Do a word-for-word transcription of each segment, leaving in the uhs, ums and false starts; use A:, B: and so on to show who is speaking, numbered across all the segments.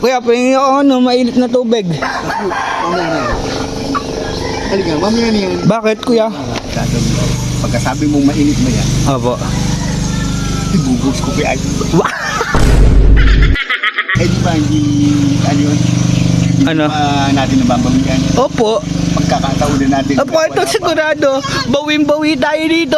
A: Kuya, pahingi ako ano, mainit na tubig.
B: Mamaya na yan. Halika, mamaya na yan.
A: Bakit, kuya?
B: Gagawin mo. Pagkasabi mong mainit mo yan,
A: Opo.
B: ibubos ko kay Idol.
A: Wa-
B: Eh di ba, hindi, ano yun? Hindi
A: Ano?
B: pa natin nababawin yan.
A: Opo.
B: Pagkakataon na natin.
A: Opo, ito sigurado. Bawing-bawi tayo dito.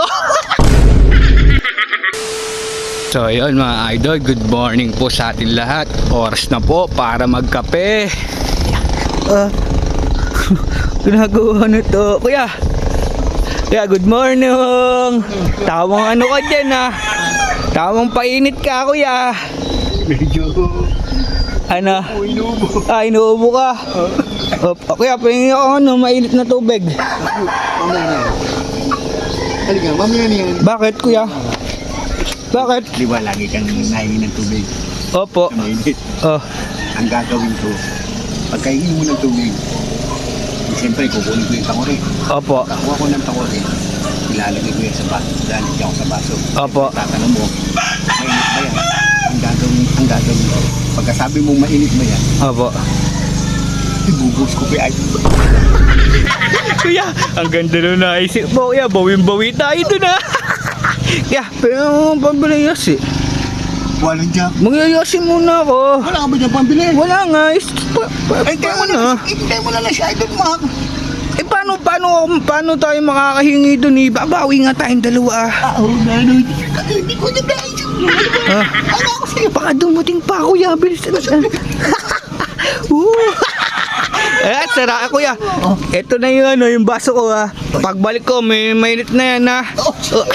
A: So yun mga idol, good morning po sa atin lahat. Oras na po para magkape. Ah, ginagawa na to. Kuya, kuya, good morning. Tawang ano ka dyan ah. Tawang painit ka kuya.
B: Medyo,
A: Ano?
B: oh, inuubo.
A: Ah, inuubo ka. Oh, kuya, pahingi ako ano, mainit na tubig.
B: Mamaya na yan. Halika, mamaya na yan.
A: Bakit kuya? Bakit?
B: Di ba, lagi kang nahingi ng tubig
A: Opo.
B: na mainit.
A: Oh,
B: Ang gagawin ko, pagkahingi mo ng tubig, eh, siyempre kukunin ko yung takore.
A: opo.
B: Kakuha ko ng takore, ilalagay ko yan sa baso. Lalagay ako sa baso.
A: Opo.
B: Tatanong mo, mainit ba yan? Ang gagawin, ang gagawin ko, pagkasabi mong mainit ba yan,
A: Opo.
B: ibubos ko kay Idol.
A: Kuya, ang ganda na naisip mo. Kuya, bawin-bawi tayo dun ah. Kaya, pero pambilayas eh.
B: Walang jack.
A: Magyayasin muna ako.
B: Wala ka ba dyan pambili?
A: Wala nga. Is, pa, pa,
B: Ay, tayo mo
A: paano?
B: na, hintay mo na lang si Idol mo.
A: Eh, paano, paano, paano tayo makakahingi dun eh? Babawi nga tayong dalawa ah.
B: Ah, oh, gano'n. Hindi ko na dahil.
A: Ah,
B: Ano ako sa'yo?
A: baka dumating pa kuya. Bilis na. Woo! Eh, sara kuya. Ito na yung ano, yung baso ko ah. Pagbalik ko, may mainit na yan ah.
B: Oh,
A: Oh.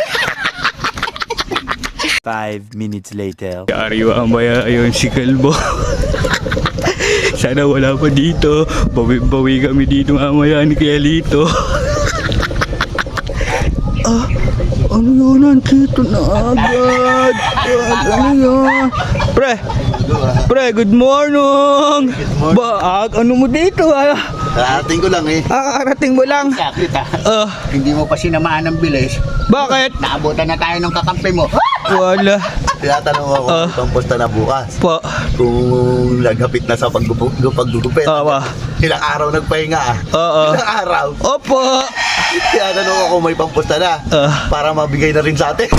C: Five minutes later.
A: Ariwa maya ayun si Kalbo. Sana wala pa dito. Bawi-bawi kami dito mamaya ni Kelito. Ah, ano yun? Nandito na agad. Ah, ano yun? Pre, pre, good morning. Ba, ano mo dito ah?
B: Karating ko lang eh.
A: Ah, karating mo lang.
B: Sakit ah.
A: Ah,
B: Hindi mo pa sinamaan ng bilis.
A: bakit?
B: Naabutan na tayo ng kakampi mo.
A: Wala.
D: Tinatanong ako
A: Ah.
D: kung pusta na bukas.
A: Po.
D: Kung naghapit na sa paggupu- paggugupit.
A: Awa.
D: Ilang araw nagpahinga ah.
A: Oo.
D: Ilang araw.
A: Opo.
D: Tinatanong ako kung may pampusta na.
A: Ah.
D: Para mabigay na rin sa atin.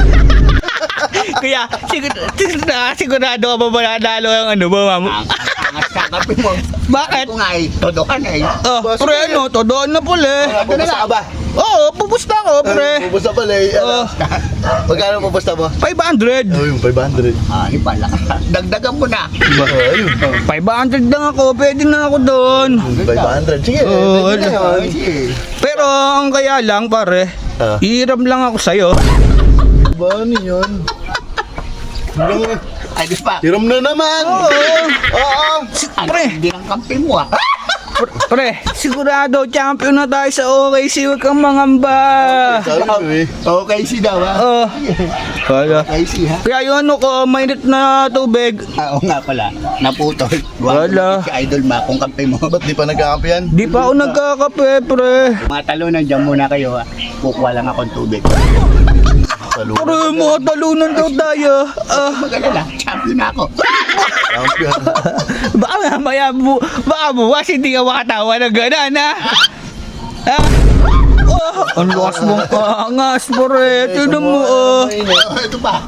A: Kaya, sigurado, sigurado, sigurado ka ba mananalo ang ano ba, ma'am?
B: Ang angas kakampi mo.
A: Bakit?
B: Ito nga eh. Todokan eh.
A: Oh, pre, ano, todoon na pala eh.
D: Pupusta ka ba?
A: Oo, pupusta ko, pre.
D: Pupusta pala eh.
A: Oh,
D: Magkano pupusta mo?
A: five hundred.
D: Oh, yung five hundred.
B: Ah, di pala. Dagdagan mo na.
D: Oh, ayun.
A: five hundred lang ako, pwede na ako doon.
D: five hundred. Sige,
A: Oh,
D: pwede na
B: Oh,
D: yun.
B: sige.
A: Pero, ang kaya lang, pare,
D: Ah.
A: ihiram lang ako sa'yo.
D: Ba, ano yun? Hanggang-
B: Ay, di pa.
D: Hiram na naman!
A: Oo.
D: Oo!
B: Ano,
A: Pre.
B: hindi ng kampi mo ah.
A: Pre, pre, sigurado, champion na tayo sa O K C, huwag kang mangamba.
D: Sabi ko eh.
B: Okay, si daw ah.
A: Oh, wala.
B: Okay, si ha.
A: Kaya yung ano ko, mainit na tubig.
B: Ah, oo nga pala. Naputol.
A: Wala.
B: Si Idol Ma, kung kampi mo.
D: Ba't di pa nagkakampi yan?
A: Di pa ako nagkakape, pre.
B: Mga talunan dyan muna kayo ha. Kukuha lang akong tubig.
D: Saludo.
A: Pre, mga talunan daw tayo. Ah,
B: Magalala, champion na ako.
D: Champion.
A: baka mamaya, bu baka buwas hindi ka makatawa ng gano'n, ha? Ha? Oh, ang lakas mong angas, pre. Tignan mo, oh.
B: Ito pa.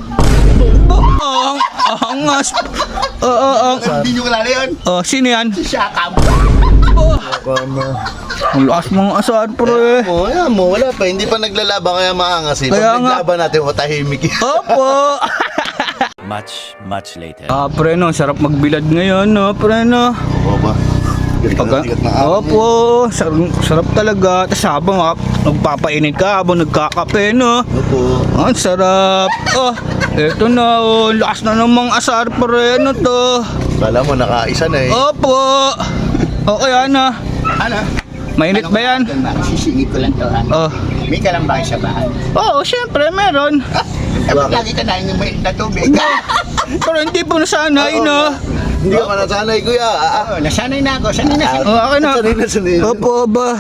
A: Ang angas. Oo, oo, oo.
B: Hindi nyo kalala yun.
A: Oh, sino yan?
B: Si Shaka.
A: Oh,
D: Kama.
A: ang lakas mong asar, pre.
D: Mo, yan mo, wala pa. Hindi pa naglalaban kaya maangas eh.
A: Kaya
D: Pag
A: nga.
D: naglaban natin, matahimik eh.
A: Opo.
C: Much, much later.
A: Ah, pre, no. Sarap magbilad ngayon, no, pre, no.
D: Oo ba?
A: Pagka,
D: Tigat na araw
A: opo, sarap, sarap talaga. Tapos habang ah, nagpapainit ka, habang nagkakape, no.
D: Opo.
A: Ang sarap. Oh, eto na, oh. Lakas na namang asar, pre. Ano to?
D: Kala mo, nakaisa na eh.
A: Opo. Okay, ano?
B: Ano?
A: Mainit ba yan?
B: Idol Ma, sisingit ko lang to ha.
A: Oh.
B: May ka lang ba kayo sa bahay?
A: Oo, syempre, meron.
B: Eh, ba't lagi ka na yung may na tubig?
A: Pero hindi po nasanay, no?
D: Hindi ka pa nasanay, kuya. Ah, ah.
B: Oo, nasanay na ako. Sanay na.
A: Oh, okay na.
D: Sanay na, sanay na.
A: Opo, ba?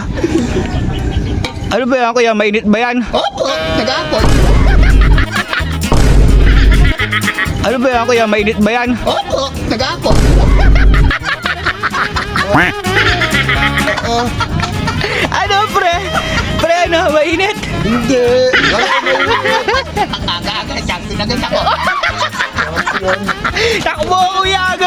A: Ano ba yan, kuya? Mainit ba yan?
B: Opo, nag-aapon.
A: Ano ba yan, kuya? Mainit ba yan?
B: Opo, nag-aapon.
A: Ano, pre? Pre, ano? Mainit?
D: Hindi.
B: Aga-aga, sakto na ganyan ako.
A: Takbo, kuya!